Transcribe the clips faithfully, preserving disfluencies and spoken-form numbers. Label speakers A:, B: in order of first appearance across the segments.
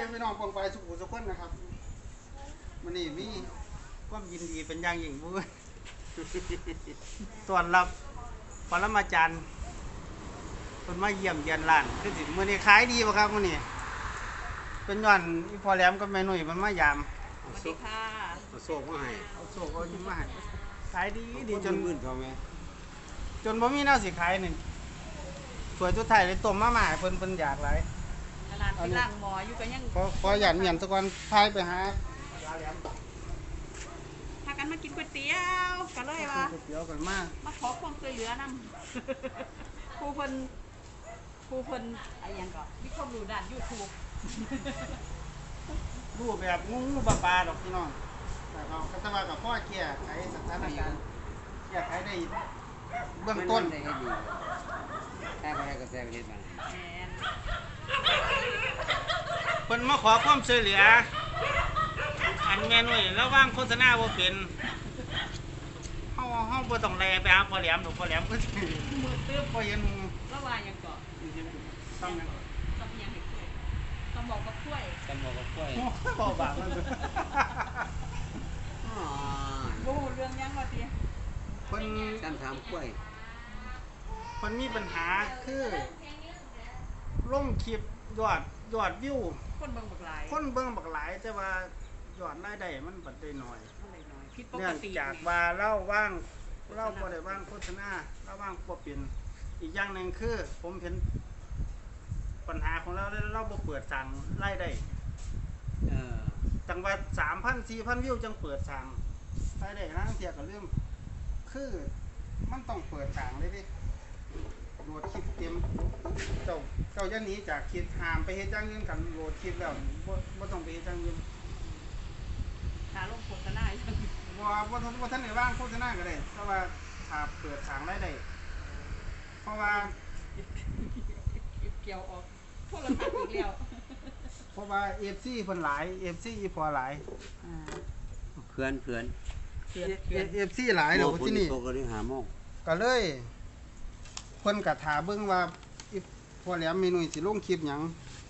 A: พี่น้องปองไปสุขุสุขคนนะครับมันนี่มีความยินดีเป็นอย่างยิ่งบุ้ยต้อนรับปรมาจารย์คนมาเยี่ยมเยียนร้านคือสิมื้อนี้ขายดีป่ะครับมื้อนี้เป็นย้อนอีพอแหลมกับแม่หนุ่ยมันมายาม
B: สวัสดีค่ะ
C: เอาโซ่มาให้
A: เอาโซ่เอายิ้มมาให้ขายดีดีจน
C: มื่นเขาไหม
A: จนบ่มีแนวสิขายนี่สวยสุดท้ายเลยต้มมาม่าให้เพิ่นเพิ่นอยากหลาย
B: ขนาดที่ล่างหมออยู่ก็ยัง
A: ขอขอหยันเมียนสักวันพายไปหาปลาแหลม
B: พากันมากินก๋วยเตี๋ยวกันเลยว่า
A: ก๋วยเตี๋ยวกันมา
B: มาขอความช่วยเหลือนำ ครูเพิ่นครูเพิ่นอะไรยังก็มีความรู้ด้าน YouTube
A: รูปแบบงูงูปลาปลาดอกพี่น้องแต่เราก็จะมากับพ่อเกียร์ไขสถานการณ์เกียร์ไขได้เบื้องต้น
C: ได้ให้ดีแค่ไปให้กระแสประเทศมัน
B: แม่น
A: เพิ่นมาขอความช่วยเหลืออันแม่นุ่ยแล้วว่างโฆษณาบ่เป็นเฮาเฮาบ่ต้องแลไปหาพ่อแหลมดอกพ่อแหลมก็สิมือเตื้อบ่เห็น
B: แล้วว่ายังก็
A: ต้องนะ
B: ต้องยังให้ช่วยต้องบอกว่าช่วย
C: จำบอกกับกล้วย
A: โอ้ยบ่บาปมัน
C: อ๋อ
B: บ่รู้เรื่องยังว่าติ
A: เพิ่น
C: จำถามกล้วย
A: เพิ่นมีปัญหาคือลงคลิปยอดยอดวิว
B: คนเบิ่งบักหลาย
A: คนเบิ่งบักหลายแต่ว่ายอดรายได้มันบัดได้น้อย
B: มันเลยน้อยผิดป
A: เนื่
B: ก
A: อง
B: ติ
A: จากว่าเล่าว่างเล่าบ่ได้ว่างโฆษณาเล่าว่างบ่เป็นอีกอย่างหนึ่งคือ ผมเห็นปัญหาของเราเราบ่เปิดสั่งรายได้
C: เออ
A: จังว่า สามพัน สี่พัน วิวจังเปิดสั่งรายได้นะเทียก็ลืมคือมันต้องเปิดสั่งเลยดิโหลดคลิปเต็มเจ้าเจ้าอย่าหนีจากคลิปหามไปเฮ็ดอย่างอื่นกันโหลดคลิปแล้วบ่บ่ต้องไปเฮ็ดอย่างอื่น
B: หาลงโฆษณาอยู่
A: บ่บ่ทันบ่ทันได้ว่างโฆษณาก็ได้แต่ว่าถ้าเปิดทางรายได้เพราะว่า
B: เกี่ยวออกโทรศัพท์อีกแล้ว
A: เพราะว่า เอฟ ซี เพิ่นหลาย เอฟ ซี อีพอหลาย
B: อ่า
C: เพื่อนเพื่อน
B: เขียนเขียน
A: เอฟ ซี หลายเดี๋ยวที่นี่
C: โตก็ได้หาโมง
A: ก็เลยเพิ่นก็ถามเบิ่งว่าอีพอแหลมเมนูสิลงคลิปหยัง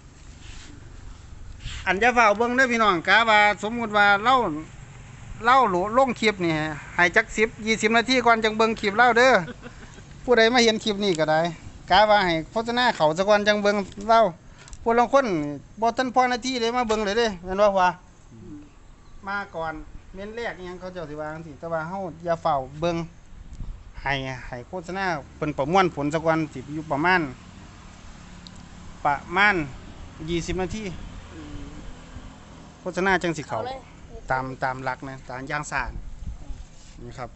A: อันจะฝ้าเบิ่งเด้อพี่น้องกะว่าสมมุติว่าเราเล่าลงคลิปนี่ให้จักสิบ ยี่สิบนาทีก่อนจังเบิ่งคลิปเล่าเด้อผู้ใดมาเห็นคลิปนี้ก็ได้กะว่าให้โฆษณาเขาซะก่อนจังเบิ่งเล่าผู้ลางคนบ่ทันพอนาทีเลยมาเบิ่งเลยเด้แม่นบ่ว่ามาก่อนเม้นแรกอิหยังเขาเจ้าสิว่าจังซี่แต่ว่าเฮาอย่าเฝ้าเบิ่งให้ให้โฆษณาเพิ่นประมวลผลซะก่อนสิอยู่ประมาณประมาณยี่สิบนาที
B: อืม
A: โฆษณาจังสิเขา
D: เอาเลย
A: ตามตามหลักนะตามย่างสารนี่ครับ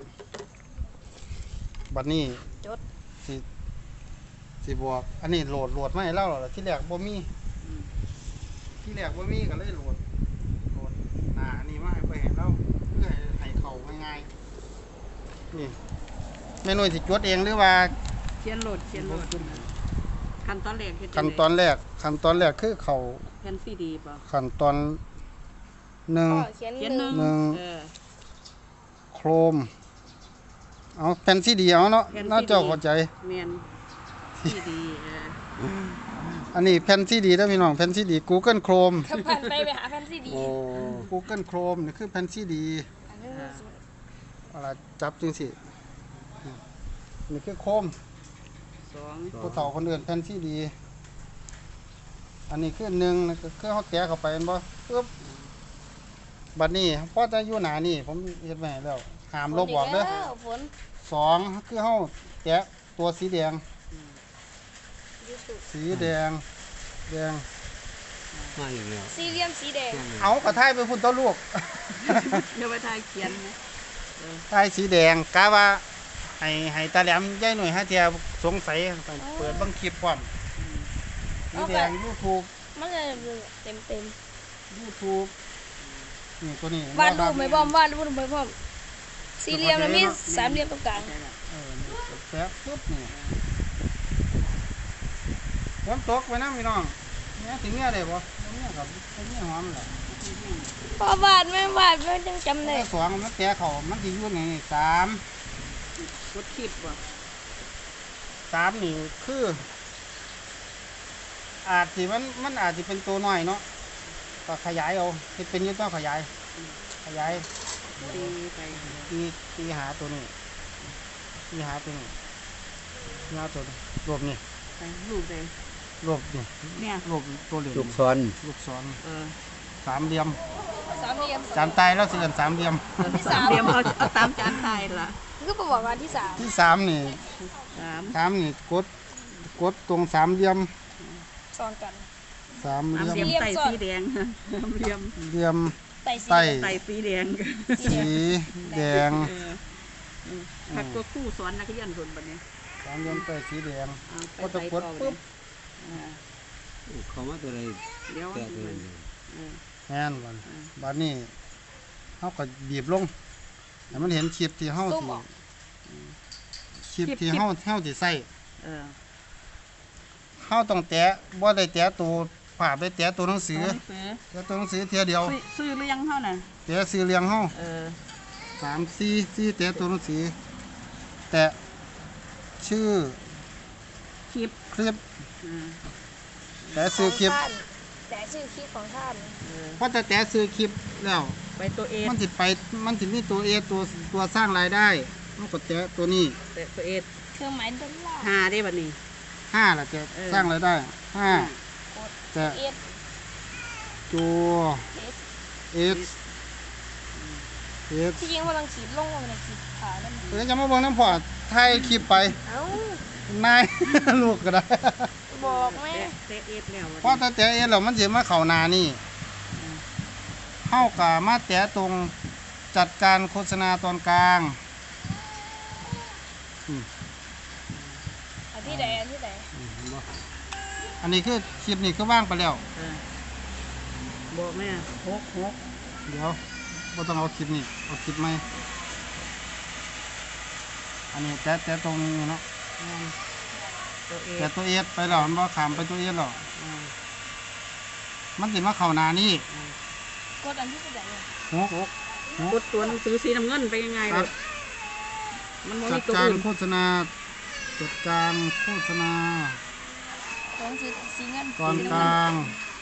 A: บัดนี้
D: จด
A: สิสิบวกอันนี้โหลดโหลดมาให้เราแล้วที่แรกบ่มี
B: อืม
A: ที่แรกบ่มีก็เลยโหลดโหลดหน้าอันนี้มาให้ไปให้เราเพื่อให้ให้เข้าง่ายๆนี่แม่นุ่ยสิจดเองหรือว่า
B: เขียนโหลดเขียนโหลดขั้นตอนแรกเฮ็ดจั
A: ขั้น
B: งใด
A: ตอนแรกขั้นตอนแรกคือเข้า
B: แผ่นซีดีป่ะ
A: ขั้นตอนหนึ่ง
D: พ่อเขียน
B: เขียน
D: ห
B: ห
D: นึ่
B: นึ่
D: ง
B: ง
A: หนึ่ง
B: เออ
A: โครมเอาแผ่นซีดีเอาเนาะ
B: แผ่น
A: น่า
B: ซีดี
A: เจ้าเข้าใจ
B: เมียนซีดีเออ
A: อันนี้แผ่นซีดีนะพี่น้องแผ่นซีดี Google Chrome
D: ถ้าผ่านไปไปหาแฟนซีดี
C: โอ้
A: Google Chrome นี่คือแผ่นซีดี
D: อันนี้มันสวย
A: เวลาจับจังสินี่คือโคม
B: สอง
A: ผู้เฒ่าคนอื่นแผ่นซีดี อันนี้คือหนึ่งนะก็คือเขาแตะเข้าไปเห็นบ่ปึ๊บบัดนี้พอจะอยู่หน้านี่ผมเฮ็ดไว้ให้แล้วห้ามลบออกเด้อ
D: ฝนแล้วฝน
A: สองคือเฮาแตะตัวสีแดง
D: ยูทูบ
A: สีแดงแดง
C: มาอีกแล้ว
D: สี่เหลี่ยมสีแดง
A: เอากระทายไปพุ่นตัวลูก
B: เดี๋ยวไปทายเขียนนะเออ
A: ทายสีแดงกะว่าให้ให้ตาแหลมยายหน่วยหาเทียสงสัยไปเปิดเบิ่งคลิปพร้อมสีแดง YouTube
D: มันจะเต็มเต็ม
A: YouTube นี่ตัวนี้
D: ๆวาดรูปไม่พร้อมวาดรูปไม่พร้อมสี่เหลี่ยมแล้วมีสามเหลี่ยมตรงกลาง
B: ใช่แล้ว
A: เออนี่แป๊บปุ๊บนี่ฝนตกไปนะพี่น้องเนี่ยถึงเนี่ยได้บ่เนี่ยกับเนี่ยหอมแหละ
D: พอวาดไม่วาดไม่ต้องจำได้
A: สองมันแก่เขามันสิอยู่นี่สาม
B: กดคลิปป่ะ
A: สามนี่คือ อาจสิมันมันอาจสิเป็นตัวน้อยเนาะก็ขยายเอาเฮ็ดเป็นอยึดต้องขยาย ขยาย
B: ตีไป
A: ตีตีหาตัวนี้ตีหาตัวนี้ตีหาตัวนี้รวบนี่
B: ไปรูปเลย
A: รวบนี่
B: เนี่ย
A: รวบตัวเหลี่ยม
C: ลูกซ้อน
A: ลูกศร
B: เออ
A: สามเหลี่ยม
D: สามเหลี่ยม
A: จานตายแล้วสิเอิ้นสามเหลี่ยม
B: สามเหลี่ยมเอาเอาตามจานไทยละ
D: ก็บอกว่าที่สาม
A: ที่สามนี่
B: สาม
A: สามนี่กดกดตรงสามเหลี่ยม
D: ซ้อนกัน
A: สามเห
B: สาม
A: ลี่ยม
B: เหลี่ยมไต่สีแดงสามเหลี่ยม
A: เหลี่ยม
D: ไต่สี
A: ไต่
B: ไต่สีแดง
A: สีแดง
B: เออเออผัดตัวคู่สอนนักเรียนคนบัดนี้
A: สามเหลี่ยมไต่สีแดง
B: เอาไป
A: ก็จะ
B: ใส่
A: กด
B: ต่อ
A: ปุ๊บ
B: อ่า
C: เขามาตัวใด
B: เดี๋ยว
C: แก่ตัวนั้น
B: เออ
A: แม่นบัดบัดนี้เฮาก็บีบลงให้มันเห็นคลิปที่เฮา
D: ตุ้ม
A: สิ
D: ออก
A: คลิปที่เฮาเฮาสิใส่
B: เออ
A: เฮาต้องแตะบ่ได้แตะตัวภาพได้แตะตัวหนังสือ
B: เอาหนังสือ
A: แตะตัวหนังสือเทียเดียว
B: ซื้อซื้อหรือยังเท่าน่ะ
A: แตะสื่อเรียงเฮา
B: เออ
A: สามสี่สี่แตะตัวหนังสือแตะชื่อ
B: คลิป
A: คลิป
B: อืม
A: แตะซื้อคลิป
D: ของท่านแต่ชื่อคลิปของท่าน
B: เออ
A: พอจะแตะซื้อคลิปแล้ว
B: ไปตัวเอ
A: มันสิไปมันสิมีตัว A ตัวตัวสร้างรายได้มันก็แตะตัวนี้
B: ตัวเอ
D: เครื่องหมายดอลลาร์
B: หาได้บัดนี้
A: ห้าล่ะจะ
B: เออ
A: สร้างรายได้ห้า
D: กด
A: แตะ
D: เอส
A: ตัว
D: เอส
A: S S
D: ที่จริงว่าลังขีดลงว่ามันขีดขานั่น
A: เดี๋ยวจะมาเบิ่งน้ำพอถ่ายคลิปไป
D: เอ้า
A: นาย ลูกก็ได้
D: บอกแม่
B: เตะเอสแล้ว
A: เพราะถ้าแตะเอ็นแล้วมันสิมาเข้าหน้านี่เข้ากับมาแตะตรงจัดการโฆษณาตอนกลาง
D: อันที่ใดอันที่ใด
A: อันนี้คือคลิปนี้ก็ว่างไปแล้ว
B: เออบอกแม่หกหก
A: เดี๋ยวบ่ต้องเอาคลิปนี้เอาคลิปใหม่อันนี้แตะแตะตรงนี้เนาะ
B: อืมตัวเอ
A: แตะ
B: ส
A: ตัวเอสไปแล้วมันบ่ขามไปตัวเอสแล้ว
B: อืม
A: มันสิมาเข้าหน้านี่
D: กดอันที่ใดเนี่ย
A: หกหก
B: กดตัวหนังสือสีน้ำเงินไปยังไง
A: ครั
B: เลย
A: บ
B: มันบ่
A: จั
B: มี
A: ด
B: ตัว
A: การ
B: อื่น
A: โฆษณาจัดการโฆษณา
D: ของสีสีเงิน
A: ตอนกลาง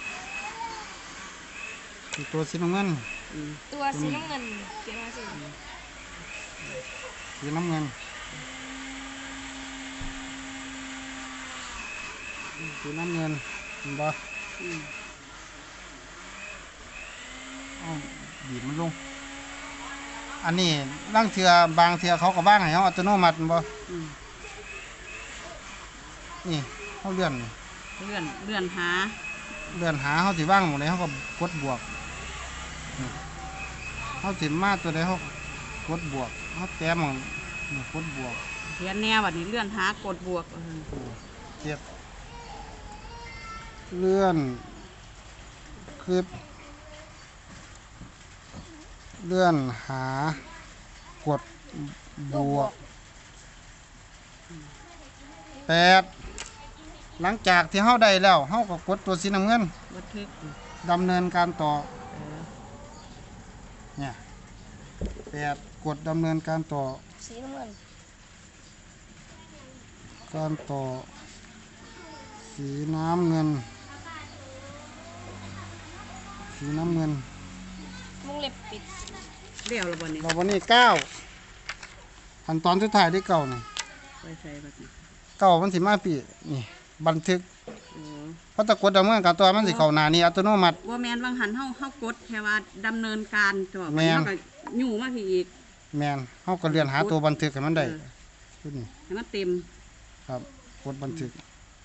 A: อีกตัวสีน้ำเงิน
B: อืม
D: ตัวสีน้ำเงินเขียนมาสิ
A: สีน้ำเงินสีน้ำเงินเห็นบ่
B: อืม
A: เอาบีบมันลง อันนี้ร่างเทือบางเทือเขาก็บ้างให้เขาอัตโนมัติแม่นบ่
B: อืม
A: นี่เขาเลื่อนนี่
B: เลื่อนเลื่อนหา
A: เลื่อนหาเขาสิว่างหมดเลยเขาก็กดบวกนี่เขาสิมาตัวใดเขากดบวกเขาแต้มของนี่กดบวก
B: เขียนแนวบัดนี้เลื่อนหากดบวกเออ
A: เจ็ดเลื่อนคลิปเลื่อนหากดบวกแปดหลังจากที่เฮาได้แล้วเฮาก็กดตัวสีน้ำเงิน
B: บันทึก
A: ดำเนินการต่อ
B: เออ
A: เนี่ยแปดกดดำเนินการต่อ
D: สีน้ำเงิน
A: การต่อ สีน้ำเงิน สีน้ำเงิน
D: วงเล็บปิด
B: เลี้ยวแล้วบัดนี้
A: เราวันนี้เก้าขั้นตอนสุดท้ายที่เก้านี่
B: ไปใส่บัดนี้
A: เก้ามันสิมาปีนี่บันทึก
B: โอ้
A: เพราะตะกดดำเนินการตัวมันสิเข้าหน้านี่อัตโนมัติ
B: ว่าแมนบางหันเฮาเฮากดแค่ว่าดำเนินการจบ
A: แม่น
B: เฮาก็ยู่มาพี่อีก
A: แมนเฮาก็เลื่อนหาตัวบันทึกให้มันได้
B: เออ
A: ชุดนี้
B: ให้มันเต็ม
A: ครับกดบันทึก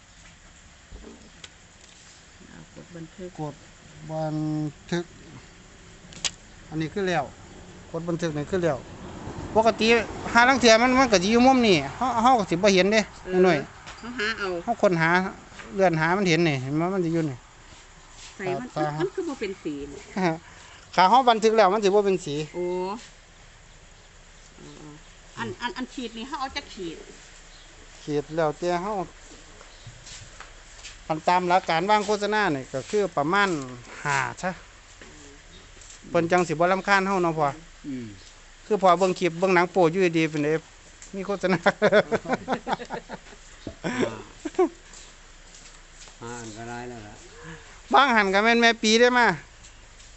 B: เอากดบันทึก
A: กดบันทึก อันนี้คือแล้วกดบันทึกนี่คือแล้วปกติหาลังเทียมันมันก็สิอยู่มุมนี่เฮาเฮาก็สิบ่เห็นเด้หน่อย
B: เฮาหาเอา
A: เฮาค้นหาเลื่อนหามันเห็นนี่เห็นมั้ยมันสิอยู่นี่
B: ใส่มัน
A: ตา
B: มันคือบ่เป็นสีนี่
A: ขาเฮาบันทึกแล้วมันสิบ่เป็นสี
B: โอ้เอออันอันอันขีดนี่เฮาเอาจักขีด
A: ขีดแล้วแต่เฮาคันตามหลักการวางโฆษณานี่ก็คือประมาณห้าซะเพิ่นจังสิบ่รำคาญเฮาเนาะพ่อ
C: อืม
A: คือพอเบิ่งคลิปเบิ่งหนังโป๊อยู่ดีๆเป็นเด้มีโฆษณา
C: อ่าอันก็ได้แล้วล่ะ
A: บางหันก็แม่นแม่ปีได้มา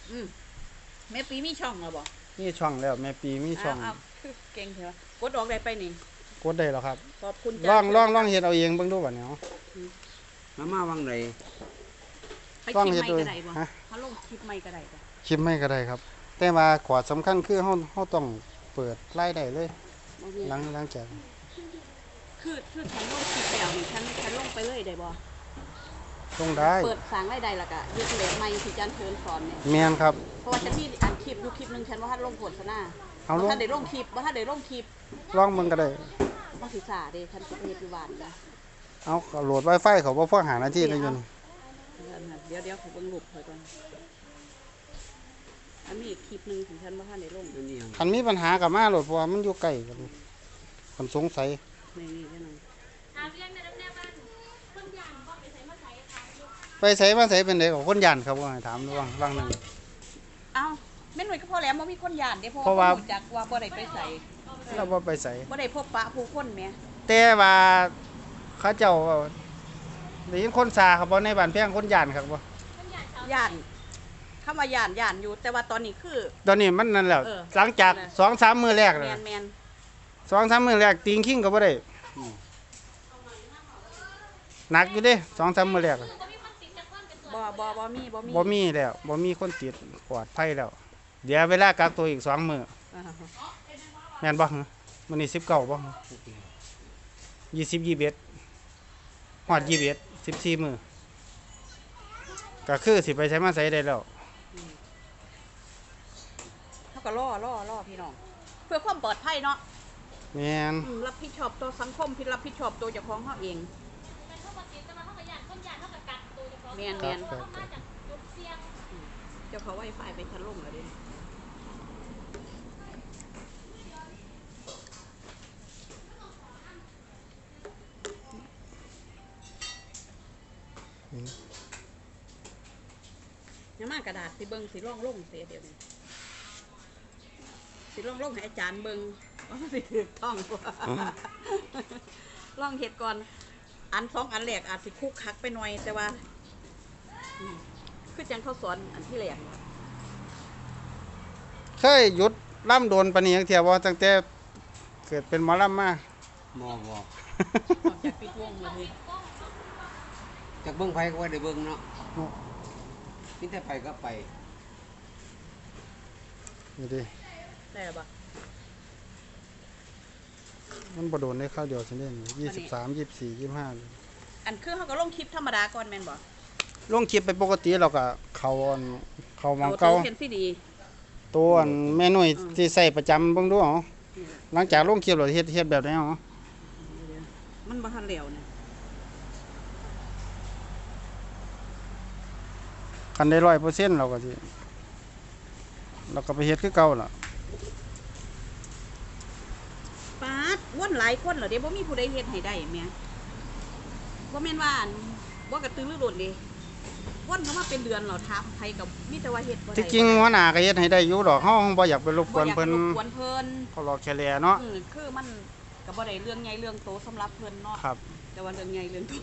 B: อืมแม่ปีมีช่องเหรอบ่
A: มีช่องแล้วแม่ปีมีช่อง
B: อ้าวคือเก่งเถอะกดออกได้ไปนี่
A: กดได้แล้วครับ
B: ขอบคุณ
A: ลองลองลองเฮ็ดเอาเองเบิ่งดูบัดนี้เอา
C: มามาวังไหน
B: ไป
A: ลอง
B: คลิป
A: เฮ็ด
B: ใหม่
A: ดู
B: ก็ได้บ่
A: ฮะ
B: ถ้าลงคลิปใหม่ก็ได้บ่
A: คลิปไม่ก็ได้ครับ แต่ว่าขวาสำคัญคือเฮาเฮาต้องเปิดรายได้เลย
B: บ่มี
A: หลังหลังจาก
B: คือคือฉันลงคลิปแล้วนี่ฉันฉันลงไปเลยได้บ่
A: ลงได้
B: เปิดสร้างรายได้แล้วก็เฮ็ดเลทใหม่ที่อาจารย์เชิญสอนเนี่ย
A: แม่นครับ
B: เพราะว่าฉันมีอันคลิปอยู่คลิปหนึงฉันว่าทันลงโฆษณา
A: เอาลง
B: บ่ทันได้ลงคลิปบ่ทันได้ลงคลิป
A: ลองเบิ่งก็ได้
B: บ่ศึกษาเด้ฉันสิไปเฮ็ดอยู่บ้านนะ
A: เอาก็โหลด Wi-Fi เขาบ่พอหานาทีได้อยู่นี่
B: เดี๋ยวเดี๋ยวขอเบิ่งรูปเพิ่นก่อนอันนี้อีกคลิปหนึงของฉันบ่ทันได้ลง
C: อันนี้ยัง
A: คันมีปัญหาก็มาโหลดเพราะว่ามันอยู่ใกล้กันคันสงสัย
B: นี่นี่เดี๋ยวนึง
A: ไปไสมาไสเป็นไดก็คนย่านครับว่าให้ถามดูว่างว่างหนึง
B: เอ้าแม่นหน่วยก็พอแล้วบ่มีคนย่านเด้เพ
A: เพราะ
B: ราะ
A: ว่า
B: ว่ารู้จักว่าบ่ได้ไปไส
A: เราบ่ไปไส
B: บ่ได้พบปะผู้คนแหม
A: แต่ว่าเขาเจ้าได้ยินคนซาครับบ่ในบ้านแพงคนย่านครับบ่
B: ย่านคำว่าย่านย่านอยู่ แต่ว่าตอนนี้คือ
A: ตอนนี้มันนั่นแหละ
B: เออ
A: หลังจาก สองสาม มื้อแรก
B: แม
A: น่ะ
B: นแมน
A: สองสาม มื้อแรกติงคิงก็บ่ได้หนักอยู่เด้สองสาม มื้อแรกอะ
B: บ่บ่บ่มีบ่มี
A: บ่มีแล้วบ่มีคนติดปลอดภัยแล้ว เดี๋ยวเวลากักตัวอีกสองมื้อ
B: อ่าฮะ
A: แม่นบ่ฮะมื้อนี้สิบเก้าบ่ฮะยี่สิบ ยี่สิบเอ็ดฮอดยี่สิบเอ็ด สิบสี่มื้อก็คือสิไปใช้มาใช้ได้แล้ว
B: เขาก็ล่อล่อล่อพี่น้อง เพื่อความปลอดภัยเนาะ
A: แม่น
B: อืมรับผิดชอบต่อสังคมพี่รับผิดชอบตัวเจ้าของเขาเองแมน
A: ค
B: แม
A: รับ
B: น
A: ครับครับ
B: เจ้าเขาไวไฟไปชั้นลงแล้วเดิยังมากระดาษสิเบิงสิร่องลงเสียเดี๋ยวนี้สิร่องลงให้อาจารย์เบิงว่ามันสิถูกต้องกว่าล่องเห็ดก่อน อันสองอันแรกอาจสิคุกคักไปหน่อยแต่ว่าอืมคือจังเขาสอนอันที่แรก
A: เคยหยุดล่ำโดนปานนี้จังเที่ยบ่ตั้งแต่เกิดเป็นหมอลำมา
C: บ่บ่
B: ออกจากปิดวงมาเลย
C: จากเบิ่งไผก็ว่าได้เบิ่งเนาะมีแต่ไปก็ไป
A: นี่ดิ
B: ได้หรอปะ
A: มันบ่โดนได้ข้าวเดียวซั่นเด้ยี่สิบสาม ยี่สิบสี่ ยี่สิบห้า
B: อันคือเขาก็ลงคลิปธรรมดาก่อนแม่นบ่
A: ลงคลิปไปปกติเราก็เข้าอันเข้าหมอง
B: ตั
A: เก่าว
B: เห็นสิดี
A: ตัวอันแม่นุ่ย
B: อืม
A: ที่ใส่ประจำเบิ่งดูเอาหลังจากลงคลิปแล้วเฮ็ดเฮ็ดแบบไหนเอา
B: มันบ่ทันเหลวเนี่ย
A: คันได้ ร้อยเปอร์เซ็นต์ เราก็สิเราก็ไปเฮ็ดคือเก่าล่ะ
B: ปาดวนหลายคนเหรอเด้บ่มีผู้ใดเฮ็ดให้ได้แม่บ่แม่นว่าอันบ่กระตือรือร้นเด้วนเข้ามาเป็นเดือนแล้วถามไผก็มีแต่ว่าเฮ็ดบ่ได้
A: ที่จริงหัวหน้าก็เฮ็ดให้ได้อยู่ดอกเฮาบ่อยากไปรบก
B: บ่
A: วน
B: อยาก
A: เพิ่น
B: รบกวนเพิ่น
A: เขารอแค่แลเนาะ
B: อืมคือมันก็บ่ได้เรื่องใหญ่เรื่องโตสำหรับเพิ่นเนาะ
A: ครับ
B: แต่ว่าเรื่องใหญ่เรื่องโต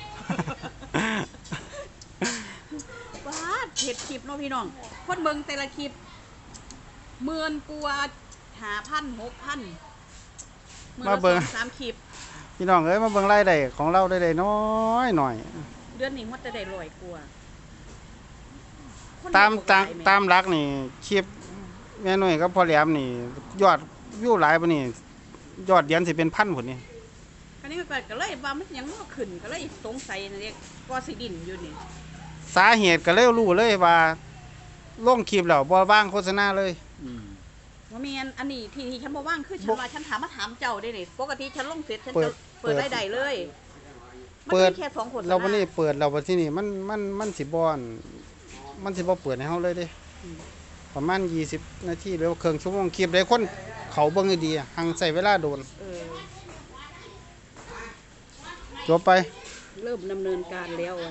B: ปาดเฮ็ดคลิปเนาะพี่น้องคนเบิ่งแต่ละคลิปหมื่นกว่าห้าพัน หกพันมื้อ
A: มา
B: ละ
A: เบิ่ง
B: สองสามคลิป
A: พี่น้องเอ้ยมาเบิ่งรายได้ของเราได้ได้น้อยหน่อย
B: เดือนนี้มันจะได้ร้อยกว่าคน
A: ตาม
B: เบิ่ง
A: ตาม
B: หลยแ
A: ตามหลักนี่คลิปแม่นุ่ยกับพ่อแหลมนี่ ยอดวิวหลายปานนี้ยอดเดือนสิเป็นพันพุ่นนี่
B: อันนี้ก็ก็เลยว่ามันยังบ่ขึ้นก็เลยสงสัยนะเด็กก็สิดินอยู่นี่
A: สาเหตุก็เลยรู้เลยว่าลงคลิปแล้วบ่ว่างโฆษณาเลย
C: อืม
B: ว่ามีอันอันนี้ที่ที่ฉันบ่ว่างคือฉัน
A: บ่
B: ว่าฉันถามมาถามเจ้าได้นี่ปกติฉันลงเสร็จฉัน
A: เปิ
B: จะ
A: ด
B: เปิด
A: เปิด
B: รายได้เลยมัน
A: เปิด
B: มีแค่สองคน
A: เราวันนี้เปิดเราวันที่นี่มันมันมันสิบ่อนมันสิบ่เปิดให้เฮาเลยเด้ประมาณยี่สิบนาทีหรือว่าครึ่งชั่วโมงคลิปได้คนเขาเบิ่งให้ดีอะหังใช้เวลาโดน
B: เออ
A: จบไป
B: เริ่มดำเนินการแล้วอะ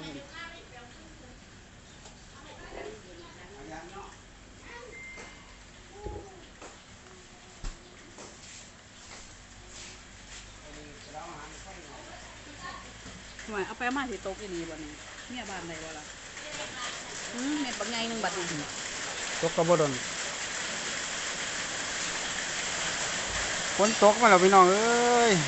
B: ทำไมเอาไปเอามาสิตกอีนี่บ่นี่เมียบ้านใดบ่ล่ะอืมเม็ดบักใหญ่หนึงบัดนี้
A: ตกกระบดนฝนตกมาแล้วพี่น้องเอ้ย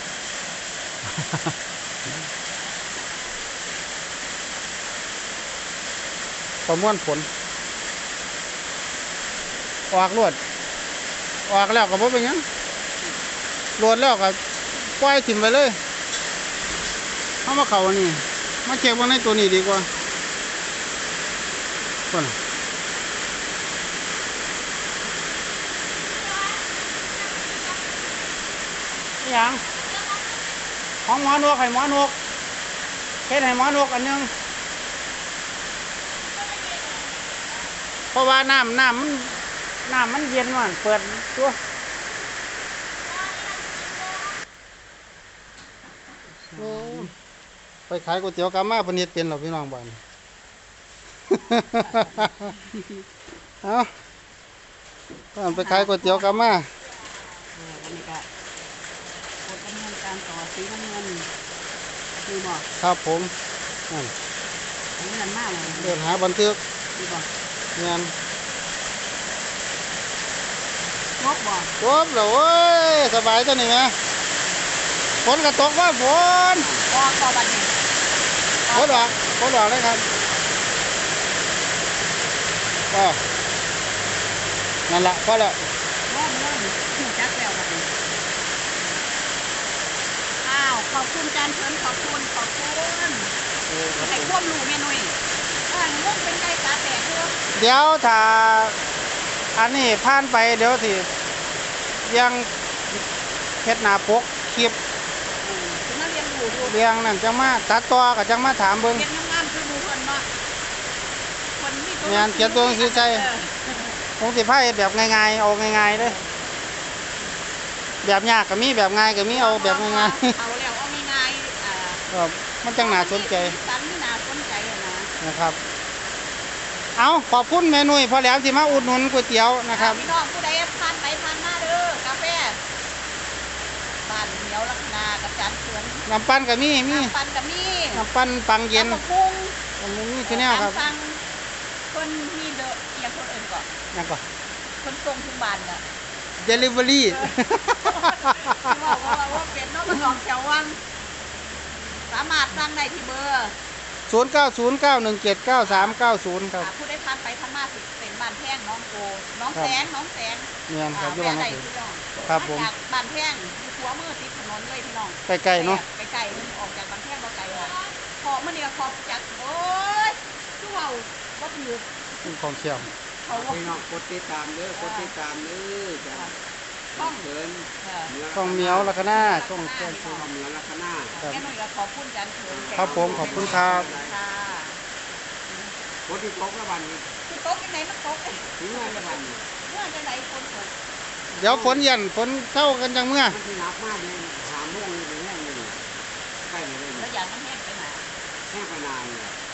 A: ประมวลผลออกรวดออกแล้วก็บ่เป็นหยังรวดแล้วก็ปล่อยถิ่มไปเลยเอามาเข้าอันนี้มาเก็บไว้ในตัวนี้ดีกว่าคนนี่หยังของหมอนวกให้หมอนวกเฮ็ดให้หมอนวกอันหนึงเพราะว่าน้ำน้ำมันน้ำมันเย็นมันเปิดตัวโอ้ไปขายก๋วยเตี๋ยวกามาเพนเฮ็ดเป็นหรอพี่น้องบ้าน เอาตอนไปขายก๋วยเตี๋ยวกามา
B: เอออันนี้ก็กดดำเนินการต่อสีน้ำเงินดีบ่
A: ครับผมนั่น
B: อันนี้มันมากเลย
A: เดินหาบันทึก
B: ดีบ่
A: งาน
B: งบบ่
A: จบแล้วเว้ยสบายตัวนี้ไหมฝนก็ตกว่าฝน
B: ก็ก็บัดนี้
A: ฝนออกฝนออกเลยครับก็นั่นละพอแล้ว
B: งบเลยหูจักแล้วบัดนี้อ้าวขอบคุณจานเชิญขอบคุณขอบคุณให้ควบรู้แม่นุ่ยอ่างงเป็นไก่ตาแตกเด้อ
A: เดี๋ยวถ้าอันนี้ผ่านไปเดี๋ยวสิยังเฮ็ดหน้าปกคลิป
B: อืมถึงมาเรียนรู้ดู
A: เรียงนั่นจังมาตัดต่อก็จังมาถามเบิ่ง
B: เรียนงามๆคือหมู่เพิ่นเนาะคนมีตัว
A: งานเขียนตัวหนังสือใส่
B: เออ
A: คงสิพาเฮ็ดแบบง่ายๆเอาง่ายๆเด้อแบบยากก็มีแบบง่ายก็มีเอาแบบง่าย
B: เอาแล้วเอาง่ายๆอ่า
A: ๆครับมันจังน่าสนใจ
B: สันน่าสนใจอะนะ
A: นะครับ เอาขอบคุณแม่นุ่ยพอแหล้วที่มาอุดหนุนก๋วยเตี๋ยวนะครับ
B: พี่น้องผู้ใดผ่านไปผ่านมาเด้อกาแฟบ้านเหนียวลักนากับจานเขือน
A: น้ำปั้นก็มีมี
B: น้ำปันกับมี
A: น้ำปั้นปังเย็น
B: น้ำปรุง
A: มันมีคือแนวครับ
B: ตามสั่งคนมีเดอะเอียงคนอื่นก่อน
A: ยังก็
B: คนส่งถึงบ้านน่ะ
A: delivery
B: ที่บอกว่าว่าเป็นนอกมันออกแถววังสามารถสั่งได้ที่เบอร์
A: ศูนย์ เก้า ศูนย์ เก้า หนึ่ง เจ็ด เก้า สาม เก้า ศูนย์ครับ
B: อ่าผู้ได้ผ่านไปผ่านมาสิเป็นบ้านแพงน้องโกน้องแสงน้องแสง
A: เนี่ยครับอยู่
B: แม่
A: บ้าน
B: ใด
A: น้อง
B: พี่น้อง
A: ครับผม
B: าจากบ้านแพงอยู่หัวมือติดถนนเลยพี่น้อง
A: ใกล้ๆเนาะ
B: ไกลๆมันออกจากบ้านแพงบ่ไกลค่ะขอบมันนี่ก็ขอบจากโอ้ยคือเว้าบ่ถือ
A: ของเชี่ยว
B: เขาว่า
C: พี่น้องกดติดตามเด้อกดติดตามเด้อจ้ะต้องเดิน
B: เออ
A: ช่องเมียวลักหน้าช่องช่อง
C: ช่องเหนือลักษณะ
A: ครับ
B: แม่หนุ่ยก็ขอบคุณจันเถิง
A: ครับผมขอบคุณครับ
B: ค่ะ
C: กดที่ตกละวันนี้
B: คือโต๊ะยังไงมันโต๊ะเอ้ย
C: ถึงเมื่อละวันนี้
B: เมื่อจะไหนคนตก
A: เดี๋ยวฝนเย็นฝนเท่ากันจังเมื่อ
C: มันที่หนักมากเลยหาโมงเลยแห้งเลยใกล้เลย
B: แล้วอย่างมันแห้งไปไหน
C: แห้งไปนานเลย